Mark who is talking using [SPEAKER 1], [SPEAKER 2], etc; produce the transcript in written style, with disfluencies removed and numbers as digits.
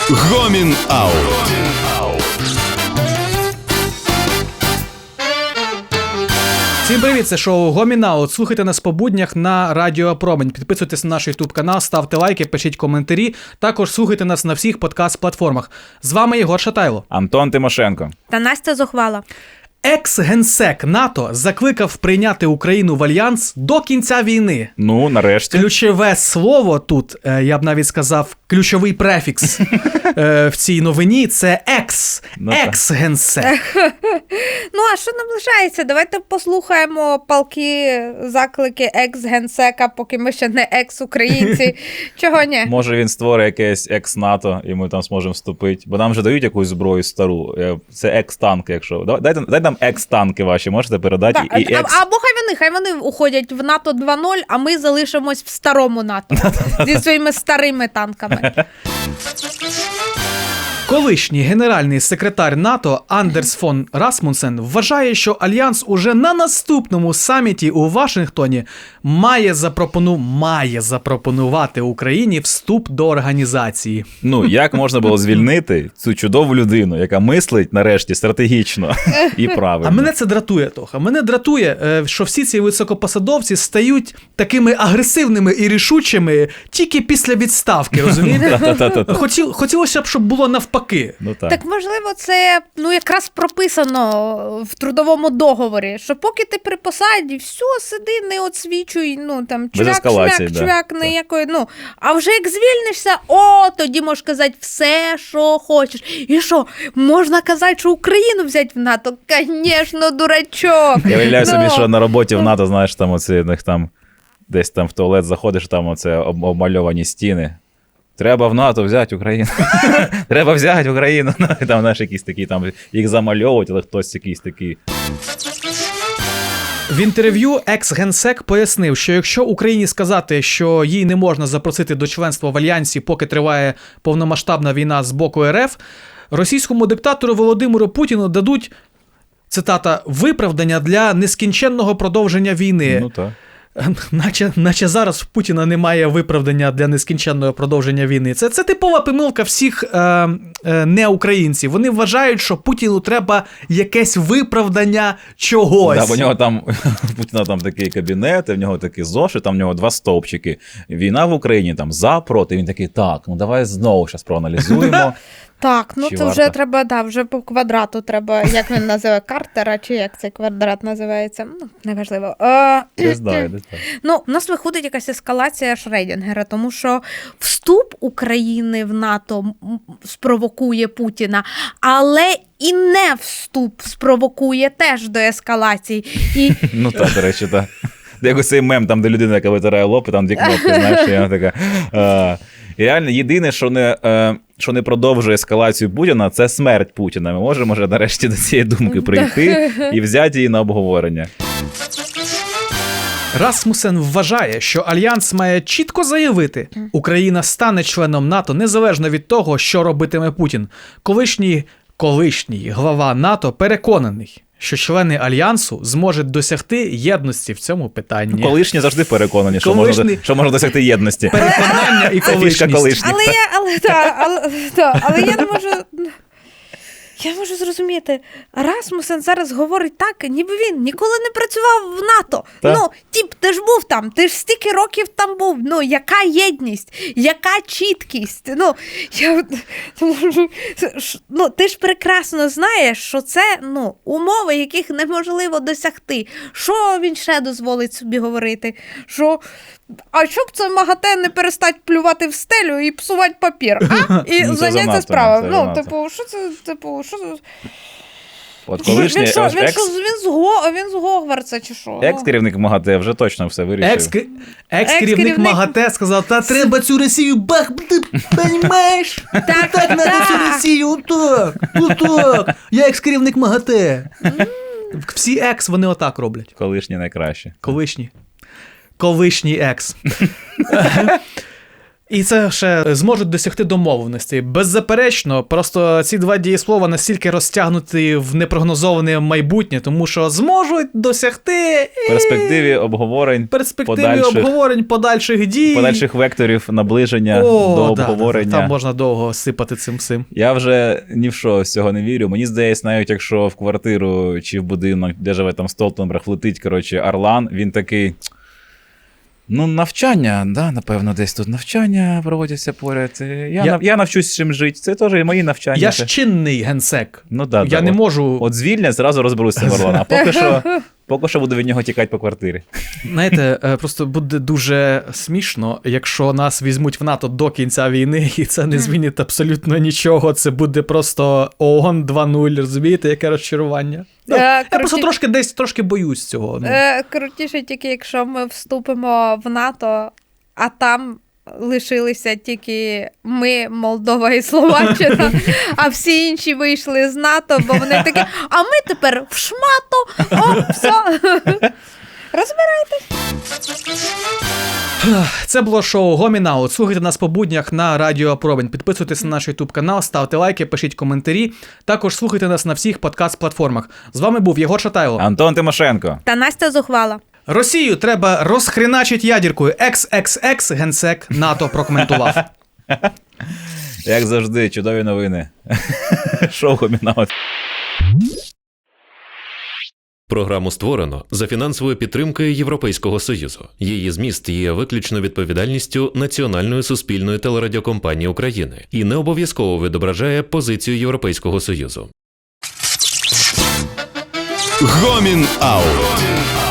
[SPEAKER 1] Гомін Аут.
[SPEAKER 2] Всім привіт, це шоу Гомін Аут. Слухайте нас по буднях на Радіо Промінь. Підписуйтесь на наш YouTube канал, ставте лайки, пишіть коментарі. Також слухайте нас на всіх подкаст-платформах. З вами Єгор Шатайло.
[SPEAKER 3] Антон Тимошенко.
[SPEAKER 4] Та Настя Зухвала.
[SPEAKER 2] Екс-генсек НАТО закликав прийняти Україну в альянс до кінця війни.
[SPEAKER 3] Ну, нарешті.
[SPEAKER 2] Ключове слово тут, я б навіть сказав, ключовий префікс в цій новині – це екс. Екс-генсек.
[SPEAKER 4] Ну, а що наближається? Давайте послухаємо палки, заклики екс-генсека, поки ми ще не екс-українці. Чого ні?
[SPEAKER 3] Може він створить якесь екс-НАТО, і ми там зможемо вступити. Бо нам вже дають якусь зброю стару. Це екс-танки, якщо. Дайте нам екс-танки ваші, можете передати.
[SPEAKER 4] Так,
[SPEAKER 3] і екс...
[SPEAKER 4] Або хай вони уходять в НАТО 2.0, а ми залишимось в старому НАТО зі своїми старими танками.
[SPEAKER 2] Колишній генеральний секретар НАТО Андерс фон Расмунсен вважає, що Альянс уже на наступному саміті у Вашингтоні має запропонувати Україні вступ до організації.
[SPEAKER 3] Ну, як можна було звільнити цю чудову людину, яка мислить, нарешті, стратегічно і правильно.
[SPEAKER 2] А мене це дратує, Тоха. Мене дратує, що всі ці високопосадовці стають такими агресивними і рішучими тільки після відставки, розумієте? Хотілося б, щоб було навпаки.
[SPEAKER 3] Ну,
[SPEAKER 4] так, можливо, це якраз прописано в трудовому договорі, що поки ти при посаді, все, сиди, не оцвічуй, чвяк, ніякої, а вже як звільнишся, тоді можеш казати все, що хочеш. І що, можна казати, що Україну взяти в НАТО? Звісно, дурачок.
[SPEAKER 3] Я уявляю собі, що на роботі в НАТО, знаєш, там оці, десь там в туалет заходиш, там оце обмальовані стіни. Треба в НАТО взяти Україну. Треба взяти Україну. Там, знаєш, якісь такі, там їх замальовують, але хтось якийсь такий.
[SPEAKER 2] В інтерв'ю екс-генсек пояснив, що якщо Україні сказати, що їй не можна запросити до членства в Альянсі, поки триває повномасштабна війна з боку РФ, російському диктатору Володимиру Путіну дадуть, цитата, виправдання для нескінченного продовження війни.
[SPEAKER 3] Ну так.
[SPEAKER 2] Наче зараз в Путіна немає виправдання для нескінченного продовження війни. Це типова помилка всіх неукраїнців. Вони вважають, що Путіну треба якесь виправдання чогось.
[SPEAKER 3] Да, бо у нього там, Путіна там такий кабінет, в нього такі зошит, там в нього 2 стовпчики. Війна в Україні, там за, проти. Він такий, так, давай знову зараз проаналізуємо.
[SPEAKER 4] Так, це вже треба, вже по квадрату треба, як він називає, Картера, чи як цей квадрат називається, неважливо.
[SPEAKER 3] Десь так.
[SPEAKER 4] У нас виходить якась ескалація Шредінгера, тому що вступ України в НАТО спровокує Путіна, але і не вступ спровокує теж до ескалації.
[SPEAKER 3] Ну так, до речі, так. Як цей мем, там, де людина, яка витирає лоб, і там 2 кнопки, знаєш, і вона така... І реально, єдине, що не продовжує ескалацію Путіна, це смерть Путіна. Ми можемо вже нарешті до цієї думки прийти і взяти її на обговорення.
[SPEAKER 2] Расмусен вважає, що Альянс має чітко заявити, Україна стане членом НАТО незалежно від того, що робитиме Путін. Колишній глава НАТО переконаний, що члени Альянсу зможуть досягти єдності в цьому питанні.
[SPEAKER 3] Колишні завжди переконані, що можна досягти єдності.
[SPEAKER 2] Переконання і колишність.
[SPEAKER 4] Але я не можу... Я можу зрозуміти, Расмусен зараз говорить так, ніби він ніколи не працював в НАТО. Ти ж був там, ти ж стільки років там був. Яка єдність, яка чіткість. Ти ж прекрасно знаєш, що це умови, яких неможливо досягти. Що він ще дозволить собі говорити? А щоб це МАГАТЕ не перестать плювати в стелю і псувати папір, і зайняться справою. Що це,
[SPEAKER 3] От колишній
[SPEAKER 4] він з Гогвартса чи що?
[SPEAKER 3] Екс-керівник МАГАТЕ вже точно все вирішив.
[SPEAKER 2] Екс-керівник МАГАТЕ сказав, та треба цю Росію бахнути, понімаєш? Так треба цю Росію, отак. Я екс-керівник МАГАТЕ. Всі екс, вони отак роблять.
[SPEAKER 3] Колишні найкраще.
[SPEAKER 2] Колишній екс. І це ще зможуть досягти домовленості. Беззаперечно, просто ці два дієслова настільки розтягнуті в непрогнозоване майбутнє, тому що зможуть досягти
[SPEAKER 3] В перспективі обговорень,
[SPEAKER 2] подальших дій.
[SPEAKER 3] подальших векторів наближення до обговорення.
[SPEAKER 2] Там можна довго сипати цим всім.
[SPEAKER 3] Я вже ні в що з цього не вірю. Мені здається, навіть якщо в квартиру чи в будинок, де живе там Столтенберг, влетить, Орлан, він такий... Ну, навчання, да, напевно, десь тут навчання проводяться поряд. Я навчусь чим жити. Це теж і мої навчання.
[SPEAKER 2] Я ж чинний генсек.
[SPEAKER 3] Ну, да,
[SPEAKER 2] я не можу...
[SPEAKER 3] От звільнять, зразу розберуся з Орланом. А поки що буду від нього тікати по квартирі.
[SPEAKER 2] Знаєте, просто буде дуже смішно, якщо нас візьмуть в НАТО до кінця війни, і це не змінить абсолютно нічого. Це буде просто ООН 2.0, розумієте, яке розчарування. Я просто трошки боюсь цього.
[SPEAKER 4] Крутіше тільки, якщо ми вступимо в НАТО, а там лишилися тільки ми, Молдова і Словаччина, а всі інші вийшли з НАТО, бо вони такі, а ми тепер в шмату, о, все. Розбирайтесь.
[SPEAKER 2] Це було шоу Гомін Аут. Слухайте нас по буднях на Радіо Промінь. Підписуйтесь на наш YouTube канал, ставте лайки, пишіть коментарі. Також слухайте нас на всіх подкаст-платформах. З вами був Єгор Шатайло.
[SPEAKER 3] Антон Тимошенко.
[SPEAKER 4] Та Настя Зухвала.
[SPEAKER 2] Росію треба розхреначить ядіркою. XXX генсек НАТО прокоментував.
[SPEAKER 3] Як завжди, чудові новини. Шоу Гомін Аут.
[SPEAKER 1] Програму створено за фінансовою підтримкою Європейського Союзу. Її зміст є виключно відповідальністю Національної суспільної телерадіокомпанії України і не обов'язково відображає позицію Європейського Союзу.
[SPEAKER 2] Гомін Аут.